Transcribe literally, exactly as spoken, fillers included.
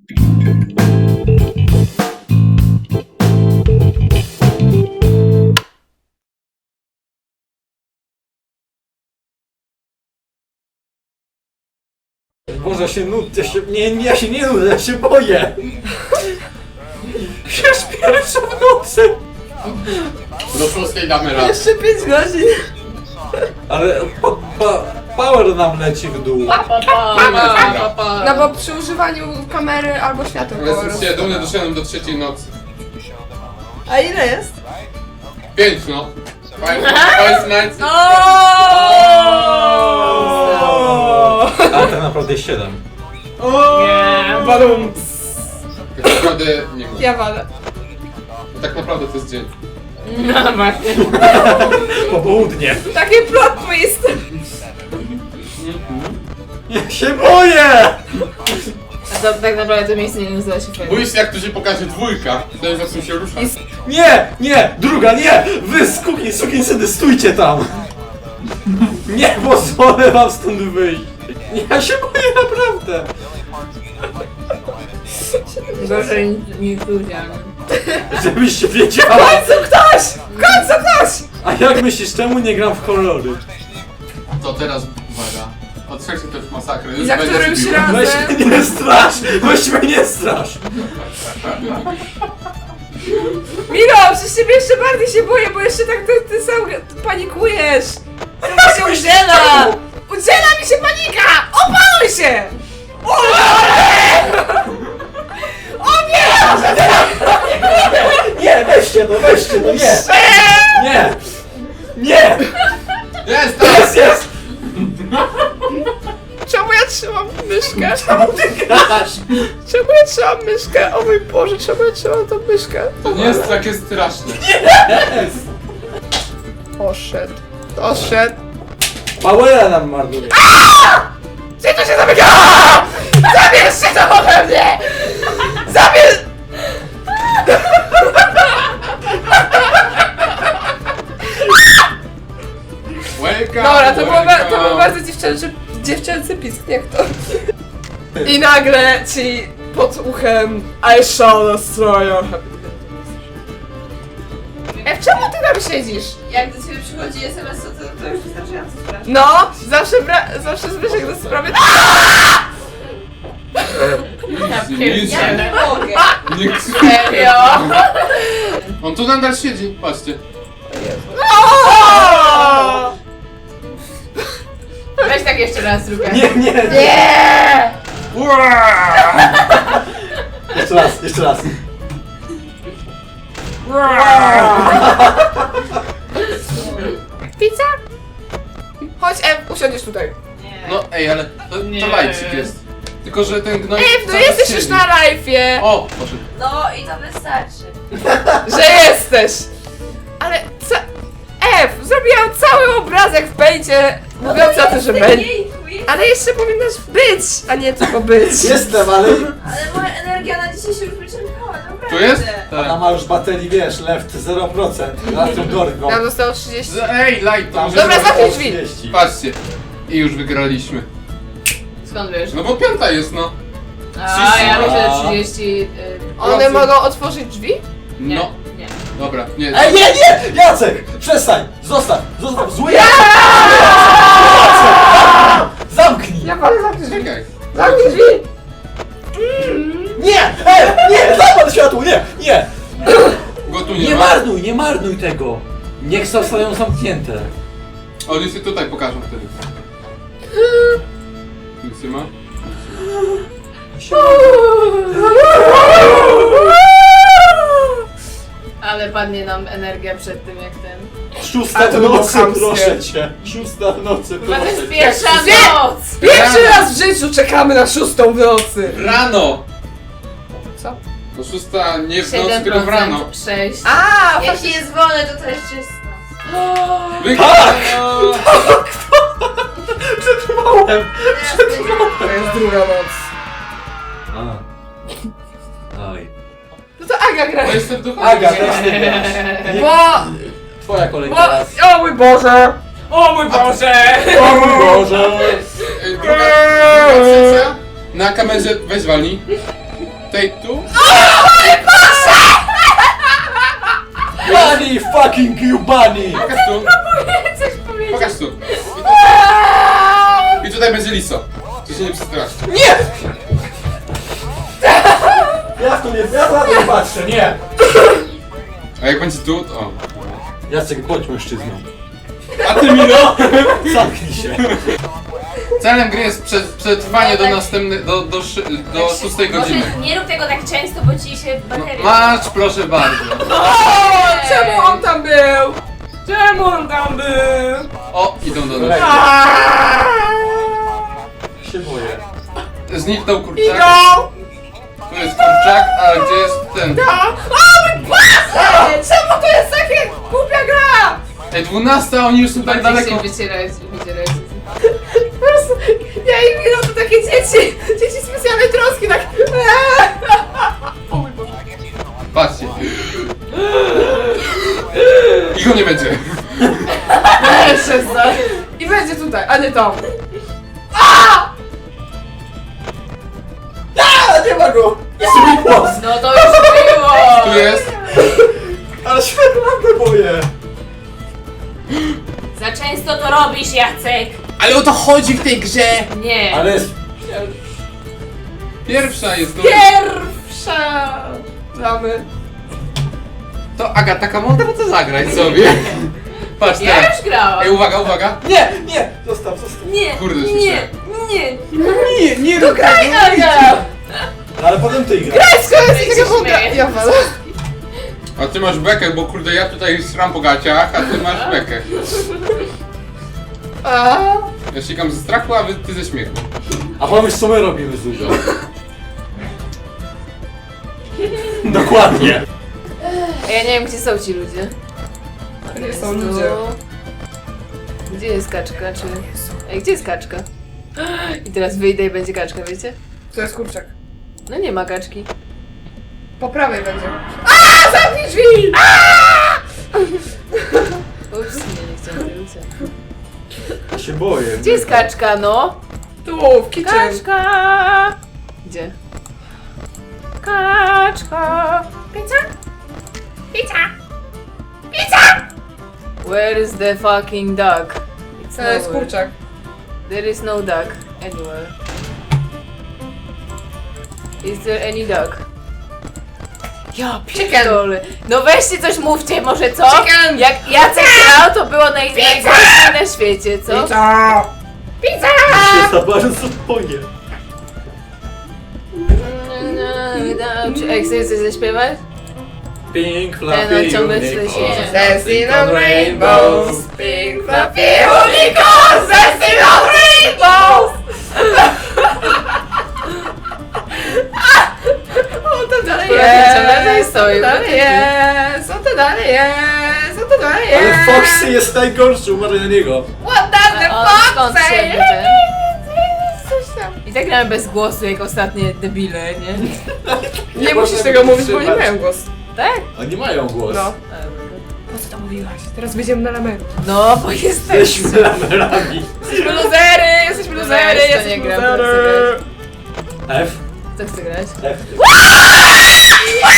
Boże, się nudzę, się... Nie, nie, ja się nie nudzę, ja się boję! Już pierwsza w nocy! Do szóstej damy raz. Jeszcze pięć godzin. Ale pa, pa, power nam leci w dół. Pa, pa, pa, pa, pa, pa. No bo przy używaniu kamery albo świateł po Jestem prostu. dumny, doszedłem do trzeciej nocy. A ile jest? Pięć no. Five, five nights. Ale tak naprawdę jest siedem. Nie, balum. Tak naprawdę nie wiem. Ja walę. Tak naprawdę to jest dzień. No właśnie. Popołudnie. Takie plot twist. Ja się boję! A to tak naprawdę to miejsce nie nazywa się fajnie. Boisz się jak tu się pokaże dwójka, wtedy zaczną się ruszać. Nie, nie, druga, nie! Wy skuki, sukinsyny, stójcie tam! Nie pozwolę wam stąd wyjść! Ja się boję naprawdę! Gorzej niż ludziami. Żebyście wiedziała! W końcu ktoś! W końcu ktoś! A jak myślisz, czemu nie gram w horrory? To teraz uwaga. Od trzeciej to już masakra. Już Za będzie którymś bił. razem- Weź mnie nie strasz! Weź mnie nie strasz! Miro, przecież ciebie jeszcze bardziej się boję, bo jeszcze tak ty, ty sam panikujesz. To się udziela! Udziela mi się panika! Opanuj się! O nie! Nie, weźcie to, weźcie to, nie! Nie! Nie! Jest, Jest, teraz! jest! Czemu ja trzymam myszkę? Czemu ty grasz? Czemu ja trzymam myszkę? O mój Boże, czemu ja trzymam tą myszkę? To nie jest takie straszne. Jest! Poszedł. Poszedł. Powera nam marnuje. Gdzie to się zamyka? Zabierz się to ode mnie! Zabierz! Welcome, Dobra, to, było, ba- to był welcome. bardzo dziewczęcy, dziewczęcy pisk, jak to? I nagle ci pod uchem I shall destroy your happiness. Ej, czemu ty tam siedzisz? Jak do ciebie przychodzi es em es, to, to już wystarczająco sprawdzi. No, zawsze, bra- zawsze Zbyszek do sprawy. Nic Ja nie mogę. nie Serio? On tu nadal siedzi, patrzcie. Weź tak jeszcze raz zrób. Nie, nie, nie! Nie! Jeszcze raz, jeszcze raz. Pizza? Chodź, Ew, usiądziesz tutaj. No ej, ale to, Nie. to lajcik jest. Tylko, że ten gnoj... Ew, no cały jesteś siedzi. już na live'ie. O, poszedł. No i to wystarczy. Że jesteś! Ale co? Ew, zrobiłam cały obrazek w pęcie, mówiąc o tym, że będzie. Ale jeszcze powinnaś być, a nie tylko być. Jestem, ale Ale moja energia na dzisiaj się już wyczerpała, naprawdę. Tu jest? ona Tak. ma już baterii, wiesz, left zero procent. Na tym dorwą. Nam zostało trzydzieści. Ej, light, to Tam może... Dobra, zero zamknij drzwi. trzydzieści. Patrzcie. I już wygraliśmy. Skąd wiesz? No bo piąta jest, no. A, ja myślę, A. że trzydzieści... One mogą otworzyć drzwi? Nie, No. nie. Dobra, nie. Ej, nie, nie! Jacek! Przestań! Zostaw! Zostaw! Zły Jacek! Zamknij! Ja palę zamknij drzwi. Czekaj. Zamknij drzwi! Nie! Ej! Nie! Zapal światło! Nie! Nie! Go tu nie, Nie ma. marnuj! Nie marnuj tego! Niech zostają zamknięte. Oni się tutaj pokażą wtedy. Nic nie ma? Ale padnie nam energia przed tym jak ten... Szósta A to w było nocy, chamskie. proszę cię! Szósta w nocy, To proszę jest cię! pierwsza noc! Pierwszy raz w życiu czekamy na szóstą w nocy! Rano! Co? To szósta nie w nocy, tylko w rano. sześć. A, Jeśli jest wolne, to to jeszcze jest noc. Wygrano! Przetrwałem! To jest druga noc. A. Oj. No to Aga gra. To jestem duchowy. Aga, teraz ty grasz. Bo... Twoja kolej bo... teraz. O mój Boże! O mój Boże! O mój Boże! Ej, Druga, druga sesja. Na kamerze weź walnij. Tutaj, tu? Bunny, fucking you bunny! Pokaż tu. Coś powiedzieć. Pokaż tu. I tutaj będzie liso. Czy się nie przestraszy? Nie! Ja w to nie, ja na to nie patrzę, nie! A jak będzie tu, to... O. Jacek, bądź mężczyzną. A ty, Milo? Zamknij się. Celem gry jest prze, przetrwanie do następnej, do, do, szy- do szóstej godziny. Może nie rób tego tak często, bo ci się bateria... Masz, proszę bardzo. O, czemu on tam był? Czemu on tam był? O, idą do nas. Się boję. Zniknął kurczak. Idą! Tu jest kurczak, a gdzie jest ten? O mój Boże! Czemu to jest takie głupia gra? Ej, dwunasta, oni już są tak daleko. wycierać, wycierać. Po prostu, ja i Milo to takie dzieci, dzieci specjalnej troski, tak... O mój Boże. Patrzcie. I go nie będzie. Jeszcze za... I będzie tutaj, a nie tam. A, nie ma go! Jest mój głos! No to już było! Tu jest. Ale się naprawdę boję. Za często to robisz, Jacek! Ale o to chodzi w tej grze. Nie! Ale jest... Pierwsza jest to. Pierwsza! Damy. To Agata Kamonda, to zagrać sobie. Patrz Ja teraz. już grałam! Ej, uwaga, uwaga. Nie, nie! Zostaw, zostaw. Nie! Kurde, nie! śmieszne. Nie! Nie, nie rób Graj, Aga! Ale potem ty grasz. Skoro się jest taka woda... śmieję. Ja walę. A ty masz bekę, bo kurde ja tutaj sram po gaciach, a ty masz bekę. A? Ja sikam ze strachu, a wy, ty ze śmiechu. A pomyśl, co my robimy z Zuzą. Dokładnie. Ja nie wiem, gdzie są ci ludzie. Nie są ludzie. Gdzie jest kaczka, czy... Ej, gdzie jest kaczka? I teraz wyjdę i będzie kaczka, wiecie? To jest kurczak. No nie ma kaczki. Po prawej będzie. A, zamknij drzwi! Ups, nie, nie chciałam wrócić. Ja się boję. Gdzie jest kaczka, no? Tu, w kitchen. Kaczka! Gdzie? Kaczka! Pizza? Pizza! Pizza! Where is the fucking duck? It's To jest nowhere. kurczak. There is no duck anywhere. Is there any duck? Ja pierdolę. No weźcie coś mówcie, może co? Chicken! Jak Jacek grał, to było naj najgorsze na świecie, co? Pizza! Pizza! Ja się za bardzo boję. Czy Ej, chcesz coś zaśpiewać? Pink, Ten fluffy, ciągle unicorn. się- Dancing on rainbows, pink fluffy unicorns, dancing on rainbows! O, to dalej jest, to dalej stoi, to dalej jest, o to dalej jest, o to dalej Ale jest. Foxy jest najgorszy, uważaj na niego. What does the A on fox skąd say? się ten? Coś tam. I tak grałem bez głosu, jak ostatnie debile, nie? Nie musisz tego mówić, bo nie mają głos. Tak? Oni mają głos. No. Po co to mówiłaś? Teraz będziemy na lamerze. No, bo jesteśmy. Jesteśmy lamerami. Jesteśmy luzery, jesteśmy luzery, Weź, to jesteśmy nie gram, luzery. F. Co chce grać? F. A!